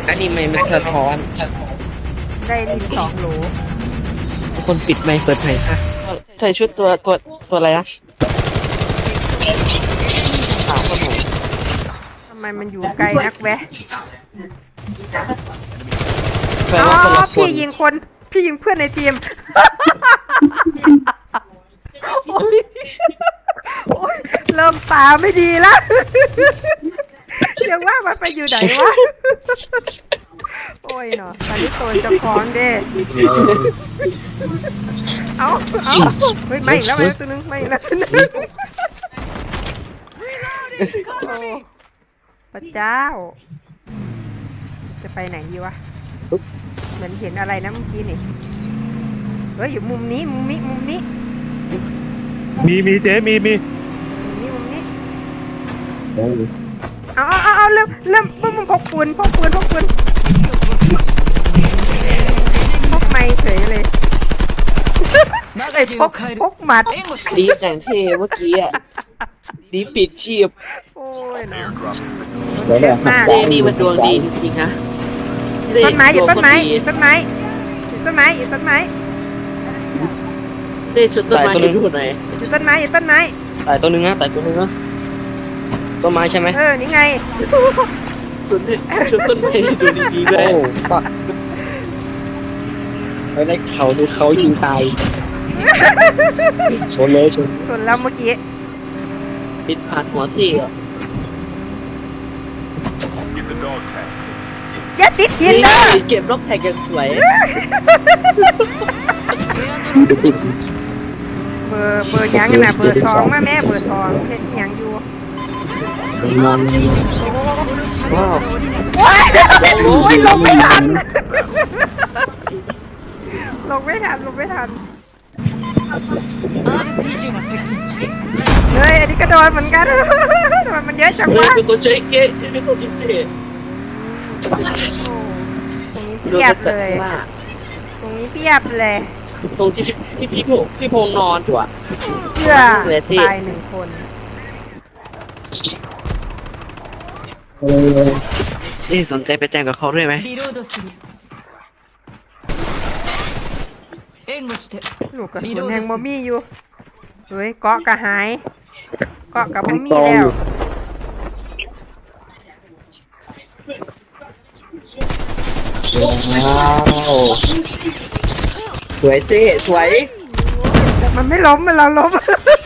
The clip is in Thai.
อันนี้ไม่มันสะท้อนได้ลิ้น2 โหลทุกคนปิดไมค์เปิดไมค์ซะใส่ชุดตัวอะไรนะขาวคนหนูทำไมมันอยู่ไกลนักแวะแปลอ๋อว่าคนละคนพี่ยิงเพื่อนในทีม โอ๊ยเริ่มตาไม่ดีแล้ว ยังว่ามันไปอยู่ไหนวะ โอ้ยเนาะตอนนี้โซนจะฟ้องเด้เอาเฮ้ยไม่อีกแล้วไม่ตัวนึงไม่อีกแล้วตัวนึงโอ้พระเจ้า จะไปไหนดีวะ เหมือนเห็นอะไรนะเมื่อกี้นี่เฮ้ยอยู่มุมนี้มุมนี้มีเจ๊มีมุมนี้เอาเริ่มมึงพกปืนพกไม้เฉยเลยไอ้พกหมัดดีฟอย่างเท่เมื่อกี้อ่ะดีฟปิดชีพโอ้ยเนาะเดี๋ยวเนี่ยมากเจนี่มันดวงดีจริงๆนะต้นไม้อยู่ต้นไม้เจต้นไม้อยู่ต้นไม้อยู่ต้นไม้เจชุดต้นไม้ให้ดูหน่อยอยู่ต้นไม้อยู่ต้นไม้ตายตัวนึงนะต้นไม้ใช่ไหมนี่ไงชุดต้นไม้ให้ดูดีๆด้วยโอ้ปักไปได้เขาดูเขายิงตายชนเลยชนส่วนแล้วเมื่อกี้ปิดผ่านหัวเจอ่ะอย่าติดหินนี่เด้อเก็บล็อกแท็กอย่างสวยเบอร์ยังน่ะเบอร์2มาแม่เบอร์2เฮ็ดหยังอยู่ว้าวโอ้ยลงไม่ทันลงไม่ทันเฮ้ยอันนี้ก็โดนเหมือนกันทำไมมันเยอะจังเฮ้ยวะเป็นคนใจเก๊เป็นคนชิมเจตรงนี้โดนเพียบจัดเลยข้างหน้าตรงนี้เพียบเลยตรงที่พี่พงนอนอยู่อ่ะเพื่อเลยที่ตาย1 คนนี่สนใจไปแจ้งกับเขาด้วยไหมลูกกระสุนแห่งบ่มีอยู่เฮ้ยเกาะกระหายเกาะกับบ่มีแล้วว้าวสวยเจ๊สวยมันไม่ล้มมันเราล้ม